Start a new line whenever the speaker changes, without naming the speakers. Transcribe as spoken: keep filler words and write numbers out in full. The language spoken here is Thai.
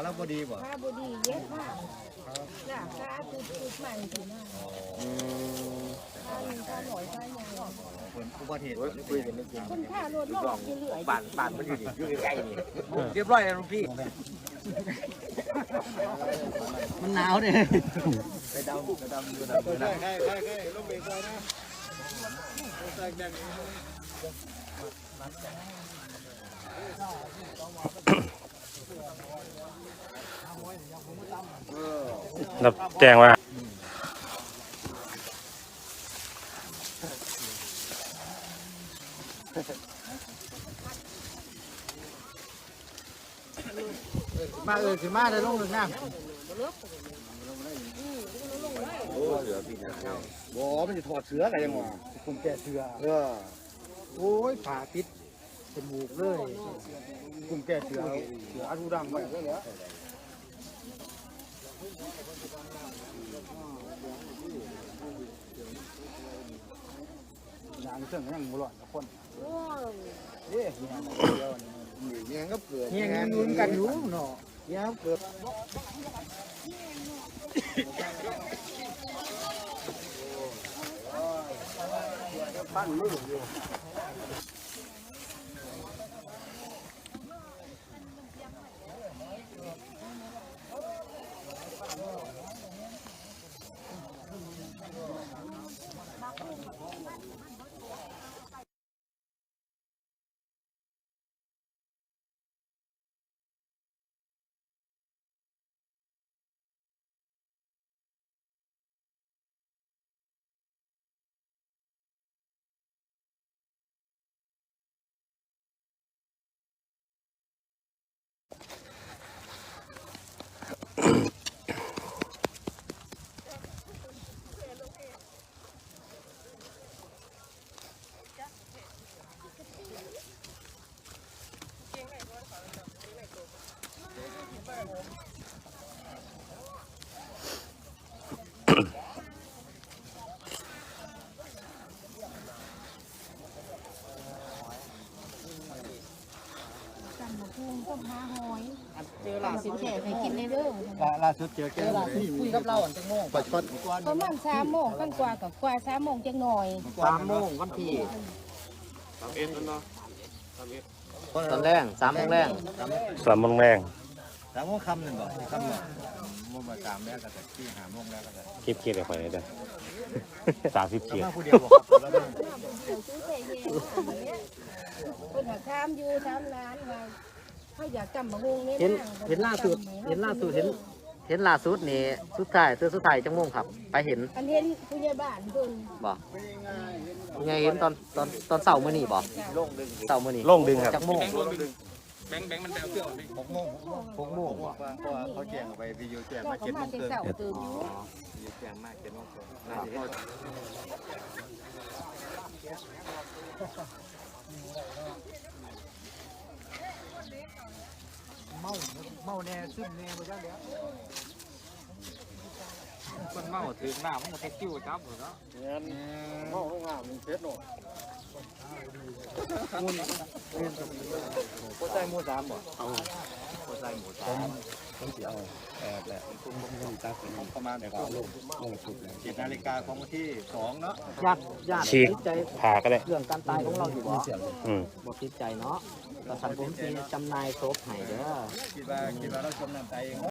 แล้วบดีบ่
ข้าบดีเย็ดมากจ้ะข้าคือคือใหม่ถึงมากข้าหนึ่งข้าหน่อยข้าใหญ่
คนอุบัติเหตุ
คุยกันไม่จริง
คุณข้ารถลงที่เหลือ
บ้านบ้านมันอยู่นี่อยู่ใกล้ๆนี่เรียบร้อยแล้วลุงพี่มันหนาวเนี่ยไปดำไปดำดูดำดูดำ
ใช่ใช่ใช่ลงเบรกไว้นะใส่แดง
รับแจ้งว่า
มาเออสิมาได้ลงหนึ่งน้ำโอ้เสือปีนบ่มันจะถอดเสืออะไรยังวะผมแก่เสือเออโอ้ยผ่าปิดจมูกเลยกลุ่มแก่เสือเสืออารูดังไปเลยเหรออย่างเสื่องยังมุหลอดกับคนเอ๊ะเนี่ยก็เกิดเนี่ยเงินกันอยู่เนาะเนี่ยเกิดปั้นมืออยู่
ต้มหาหอยเจอหลานสินแขกให้กินในเด้อ
ล่าสุดเจอแกคุยกับเราอันจังโมงปัดชด
ประมาณสามโมงขั้นกว่ากับกว่าสามโมงจังหน่อย
สามโมงวันที่
สามเอ็นเนาะ
ตอนแรกสามโมงแรก
สามโมงแรง
สามโมงคำหนึ่งบ่คำหนึ่งโมงมาสามแล้วก็แต่ที่หาโมงแล้วก็แต่
คลิปคลิปไปเลยเด้อสามสิบเกียร
มาผู้เดียวบอกครับแล้ว
ซื้อเศษเย็นคนหาข้ามอยู่สามล้านว่าเขาอยากจำมะฮงนี่
เห็นเห็นล่าสุดเห็นล่าสุดเห็นเห็นล่าสุดนี่สุดท้ายตัวสุดท้ายจังโมงครับไปเห็น
อันเห็นผู้ใหญ่บ้านเพิ่น
บ่ยังไงเห็นตอนตอนตอนเสาร์มื้อนี้บ่เสาร์มื้อนี้
ลงดึงครับ
จังโมง
แบงค์แบงค์มันแปลเสื้อพี่
หกโมงหกโมงเพราะว่าเขาแจ้งไปวิดีโอแจ้ง
เจ้า
มา
ก็
เจ็ดโม
มาง แต่
เกิน
เสาตื่นอยู่
วิดีโอแจ้งมากเจ็ดโมงเกินน่าจะเห็นเมาเมาแน่ซึมแน่ไปจ้าเดี๋ยว
คนเมาถึงหน้ามันก็ติ้วจับหมดแล้ว
เมาลงน้ำมันเช็ดหน่อยมูนโคใจมูสามบ่เอาโคใจหมูสามต้องเสียเอาแอบแหละประมาณเจ็ดนาฬิกาของวันที่สองเนาะ
ญาติญาติ
ฉีก
ติดใจ
ผ่าก็ได้
เรื่องการตายของเราอยู่บ่
อืม
บ่ติดใจเนาะแต่สันผมสิจำหนายศพให้เด้อ
คิดว่าคิดว่าเราจมน้ำใจเอง